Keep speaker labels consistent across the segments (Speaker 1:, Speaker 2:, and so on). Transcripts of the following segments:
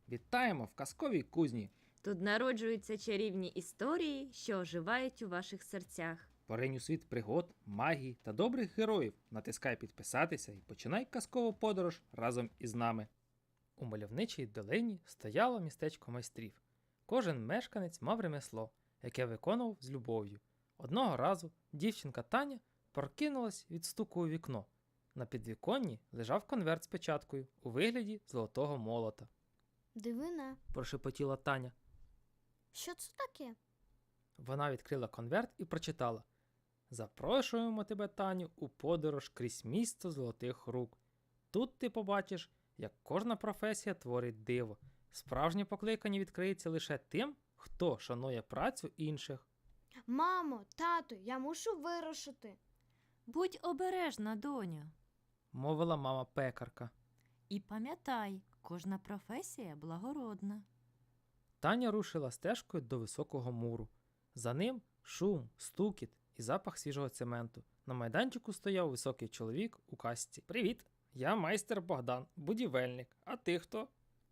Speaker 1: Вітаємо в казковій кузні!
Speaker 2: Тут народжуються чарівні історії, що оживають у ваших серцях.
Speaker 1: Поринь у світ пригод, магії та добрих героїв. Натискай підписатися і починай казкову подорож разом із нами. У мальовничій долині стояло містечко майстрів. Кожен мешканець мав ремесло, яке виконував з любов'ю. Одного разу дівчинка Таня прокинулась від стуку у вікно. На підвіконні лежав конверт з печаткою у вигляді золотого молота.
Speaker 3: Дивина.
Speaker 1: Прошепотіла Таня.
Speaker 3: Що це таке?
Speaker 1: Вона відкрила конверт і прочитала: «Запрошуємо тебе, Таню, у подорож крізь місто золотих рук. Тут ти побачиш, як кожна професія творить диво. Справжнє покликання відкриється лише тим, хто шанує працю інших».
Speaker 3: Мамо, тату, я мушу вирушити.
Speaker 2: Будь обережна, доню.
Speaker 1: Мовила мама пекарка.
Speaker 2: І пам'ятай, кожна професія благородна.
Speaker 1: Таня рушила стежкою до високого муру. За ним шум, стукіт і запах свіжого цементу. На майданчику стояв високий чоловік у касці. «Привіт, я майстер Богдан, будівельник. А ти хто?»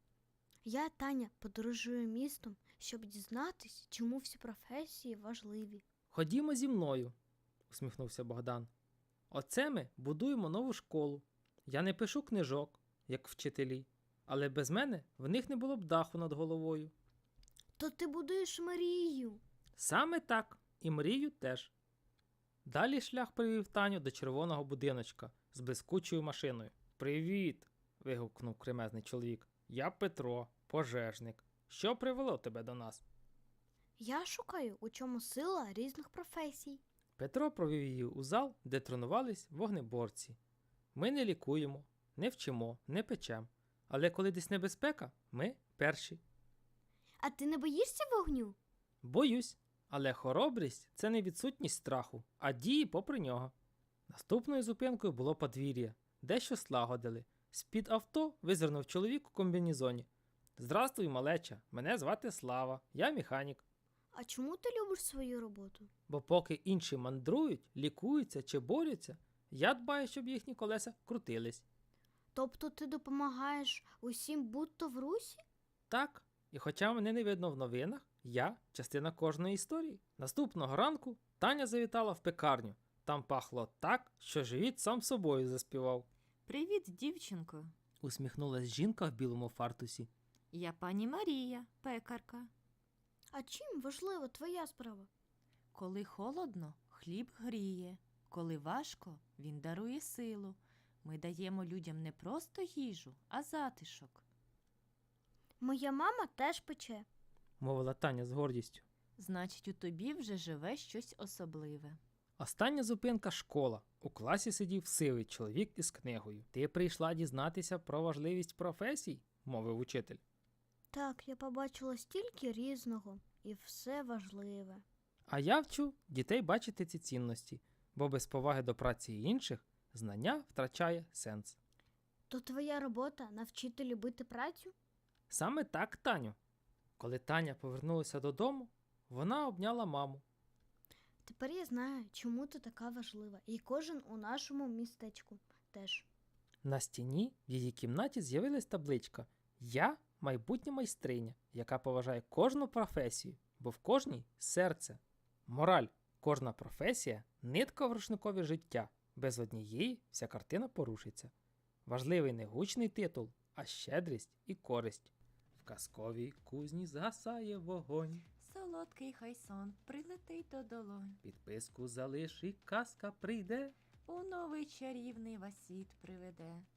Speaker 3: Я, Таня, подорожую містом, щоб дізнатись, чому всі професії важливі.
Speaker 1: «Ходімо зі мною», – усміхнувся Богдан. «Оце ми будуємо нову школу. Я не пишу книжок, як вчителі, але без мене в них не було б даху над головою».
Speaker 3: То ти будуєш мрію.
Speaker 1: Саме так, і мрію теж. Далі шлях привів Таню до червоного будиночка з блискучою машиною. «Привіт!» – вигукнув кремезний чоловік. «Я Петро, пожежник. Що привело тебе до нас?»
Speaker 3: Я шукаю, у чому сила різних професій.
Speaker 1: Петро провів її у зал, де тренувались вогнеборці. «Ми не лікуємо, не вчимо, не печем. Але коли десь небезпека, ми перші».
Speaker 3: А ти не боїшся вогню?
Speaker 1: «Боюсь, але хоробрість – це не відсутність страху, а дії попри нього». Наступною зупинкою було подвір'я. Дещо слагодили. З-під авто визирнув чоловік у комбінезоні. «Здрастуй, малеча, мене звати Слава, я механік».
Speaker 3: А чому ти любиш свою роботу?
Speaker 1: Бо поки інші мандрують, лікуються чи борються, я дбаю, щоб їхні колеса крутились.
Speaker 3: Тобто ти допомагаєш усім будь-то в русі?
Speaker 1: Так, і хоча мене не видно в новинах, я – частина кожної історії. Наступного ранку Таня завітала в пекарню. Там пахло так, що живіт сам собою заспівав.
Speaker 2: Привіт, дівчинко.
Speaker 1: Усміхнулась жінка в білому фартусі.
Speaker 2: Я пані Марія, пекарка.
Speaker 3: А чим важлива твоя справа?
Speaker 2: Коли холодно, хліб гріє. Коли важко, він дарує силу. Ми даємо людям не просто їжу, а затишок.
Speaker 3: Моя мама теж пече.
Speaker 1: Мовила Таня з гордістю.
Speaker 2: Значить, у тобі вже живе щось особливе.
Speaker 1: Остання зупинка – школа. У класі сидів сивий чоловік із книгою. «Ти прийшла дізнатися про важливість професій?» – мовив учитель.
Speaker 3: Так, я побачила стільки різного, і все важливе.
Speaker 1: А я вчу дітей бачити ці цінності, бо без поваги до праці інших знання втрачає сенс.
Speaker 3: То твоя робота – навчити любити працю?
Speaker 1: Саме так, Таню. Коли Таня повернулася додому, вона обняла маму.
Speaker 3: Тепер я знаю, чому ти така важлива, і кожен у нашому містечку теж.
Speaker 1: На стіні в її кімнаті з'явилась табличка «Я – майбутня майстриня, яка поважає кожну професію, бо в кожній – серце». Мораль – кожна професія – нитка в рушникові життя. Без однієї вся картина порушиться. Важливий не гучний титул, а щедрість і користь. В казковій кузні згасає вогонь.
Speaker 2: Солодкий хай сон прилетить до долонь.
Speaker 1: Підписку залиш і казка прийде.
Speaker 2: У новий чарівний вас світ приведе.